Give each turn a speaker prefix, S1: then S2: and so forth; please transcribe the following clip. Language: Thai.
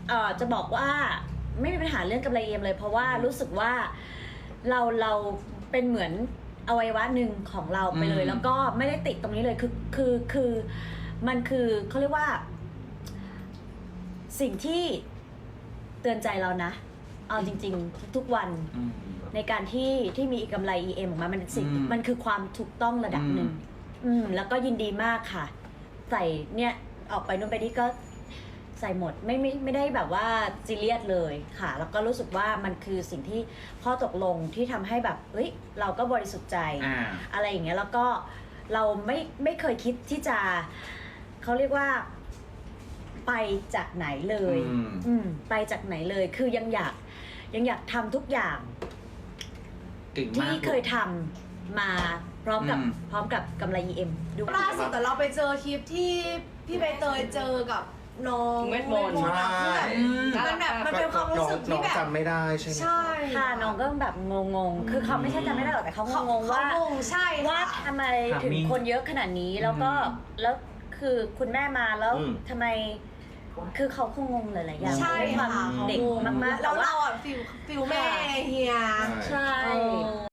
S1: จะบอกว่าไม่มีปัญหาเรื่องกำไร EM เลยเพราะว่ารู้สึกว่าเราเป็นเหมือนอวัยวะหนึ่งของเราไปเลยแล้วก็ไม่ได้ติดตรงนี้เลยคือมันคือเขาเรียกว่าสิ่งที่เตือนใจเรานะเอาจริงๆทุกวันในการที่มีกำไร EM ออกมามันสิ่งมันคือความถูกต้องระดับหนึ่งแล้วก็ยินดีมากค่ะใส่เนี่ยออกไปนู่นไปนี่ก็ใส่หมดไม่ได้แบบว่าซีเรียสเลยค่ะแล้วก็รู้สึกว่ามันคือสิ่งที่ข้อตกลงที่ทำให้แบบเฮ้ยเราก็บริสุทธิ์ใจอะไรอย่างเงี้ยแล้วก็เราไม่เคยคิดที่จะเขาเรียกว่าไปจากไหนเลยไปจากไหนเลยคือยังอยากทำทุกอย่างที่เคยทำมาพร้อมกับกำไร EM ดู
S2: ล่าสุดแต่เราไปเจอคลิปที่พี่ใบเตยเจอกับน้อง
S3: เวทมนต์
S2: มันแบบมันเป็นความรู้สึกที่แบบ
S4: จำไม่ได้ใช่ไหม
S2: ใช่
S1: ค่ะน้องก็แบบงงคือเขาไม่ใช่จำไม่ได้หรอกแต่เขางงว่า
S2: ใช่
S1: ว่าทำไมถึงคนเยอะขนาดนี้แล้วคือคุณแม่มาแล้วทำไมคือเขาคงงงหลายๆอย่าง
S2: ใช่ค่ะ
S1: เด็กมากๆ
S2: แล้วเราอ่ะฟิลแม่เฮีย
S1: ใช่